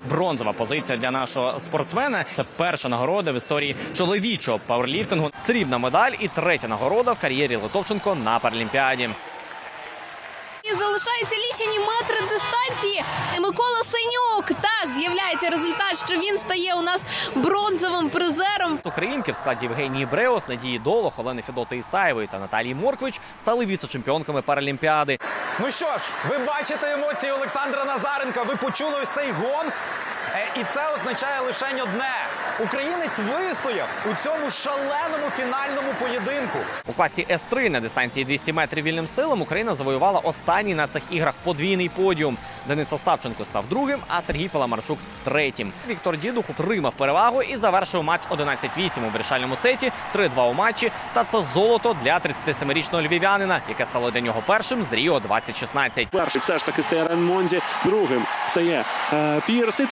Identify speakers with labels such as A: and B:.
A: бронзова позиція для нашого спортсмена. Це перша нагорода в історії чоловічого пауерліфтингу. Срібна медаль і третя нагорода в кар'єрі Литовченко на Паралімпіаді.
B: І залишаються лічені метри дистанції. І Микола Синюк. Так, з'являється результат, що він стає у нас бронзовим призером.
A: Українки в складі Євгенії Бреус, Надії Долох, Олени Федоти Ісаєвої та Наталії Морквич стали віце-чемпіонками Паралімпіади.
C: Ну що ж, ви бачите емоції Олександра Назаренка, ви почули ось цей гонг. І це означає лише одне. Українець вистояв у цьому шаленому фінальному поєдинку.
A: У класі С3 на дистанції 200 метрів вільним стилем Україна завоювала останній на цих іграх подвійний подіум. Денис Остапченко став другим, а Сергій Паламарчук – третім. Віктор Дідух отримав перевагу і завершив матч 11-8 у вирішальному сеті, 3-2 у матчі. Та це золото для 37-річного львів'янина, яке стало для нього першим з Ріо 2016.
D: Перший все ж таки стає Реймонді, другим стає Пірс.